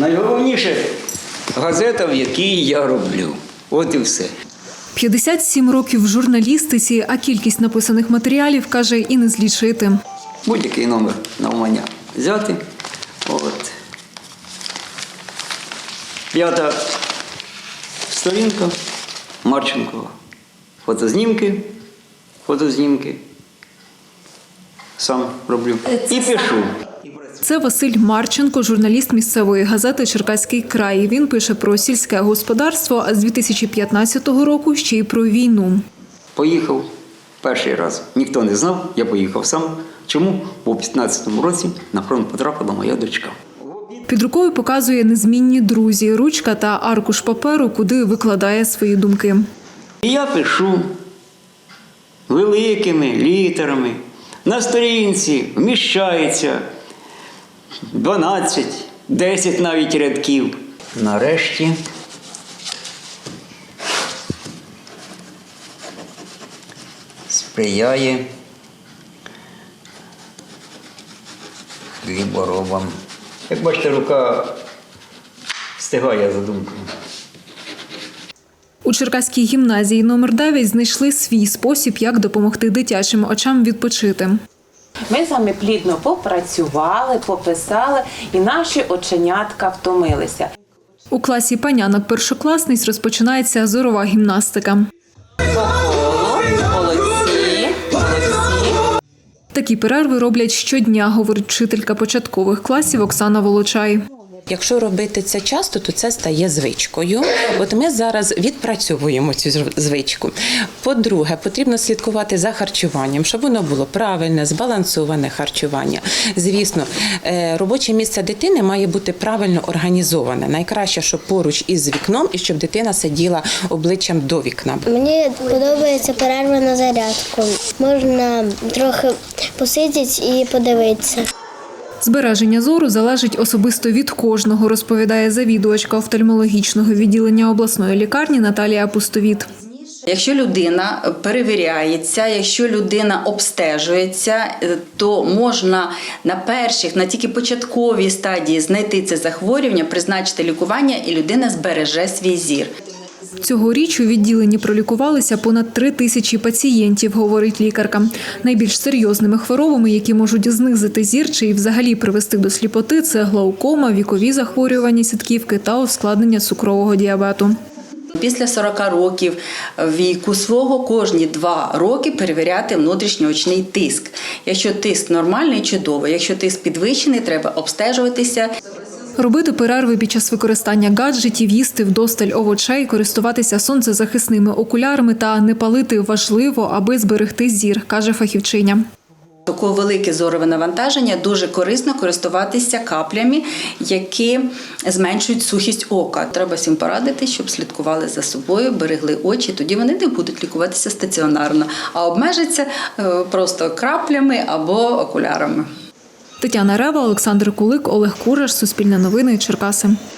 Найголовніше газета, в якій я роблю. От і все. 57 років в журналістиці, а кількість написаних матеріалів, каже, і не злічити. Будь-який номер навмання взяти. От. 5-та сторінка. Марченко. Фотознімки. Сам роблю. І пишу. Це Василь Марченко, журналіст місцевої газети «Черкаський край». Він пише про сільське господарство, а з 2015 року ще й про війну. Поїхав перший раз. Ніхто не знав, я поїхав сам. Чому? Бо в 15-му році на фронт потрапила моя дочка. Під рукою показує незмінні друзі, ручка та аркуш паперу, куди викладає свої думки. І я пишу великими літерами. На сторінці вміщається 12, 10 навіть рядків. Нарешті сприяє хліборобам. Як бачите, рука встигає за думкою. У Черкаській гімназії номер 9 знайшли свій спосіб, як допомогти дитячим очам відпочити. Ми з вами плідно попрацювали, пописали, і наші оченятка втомилися. У класі панянок-першокласниць розпочинається зорова гімнастика. Молодці. Такі перерви роблять щодня, говорить вчителька початкових класів Оксана Волочай. Якщо робити це часто, то це стає звичкою. От ми зараз відпрацьовуємо цю звичку. По-друге, потрібно слідкувати за харчуванням, щоб воно було правильне, збалансоване харчування. Звісно, робоче місце дитини має бути правильно організоване. Найкраще, щоб поруч із вікном і щоб дитина сиділа обличчям до вікна. Мені подобається перерва на зарядку. Можна трохи посидіти і подивитися. Збереження зору залежить особисто від кожного, розповідає завідувачка офтальмологічного відділення обласної лікарні Наталія Пустовіт. Якщо людина перевіряється, якщо людина обстежується, то можна на перших, на тільки початковій стадії знайти це захворювання, призначити лікування і людина збереже свій зір. Цьогоріч у відділенні пролікувалися понад 3000 пацієнтів, говорить лікарка. Найбільш серйозними хворобами, які можуть знизити зір чи взагалі привести до сліпоти, це глаукома, вікові захворювання сітківки та ускладнення цукрового діабету. Після 40 років віку свого кожні 2 роки перевіряти внутрішньоочний тиск. Якщо тиск нормальний – чудово, якщо тиск підвищений – треба обстежуватися. Робити перерви під час використання гаджетів, їсти вдосталь овочей, користуватися сонцезахисними окулярами та не палити важливо, аби зберегти зір, каже фахівчиня. Таке велике зорове навантаження дуже корисно користуватися каплями, які зменшують сухість ока. Треба всім порадити, щоб слідкували за собою, берегли очі, тоді вони не будуть лікуватися стаціонарно, а обмежаться просто краплями або окулярами. Тетяна Рева, Олександр Кулик, Олег Кураш, Суспільне новини, Черкаси.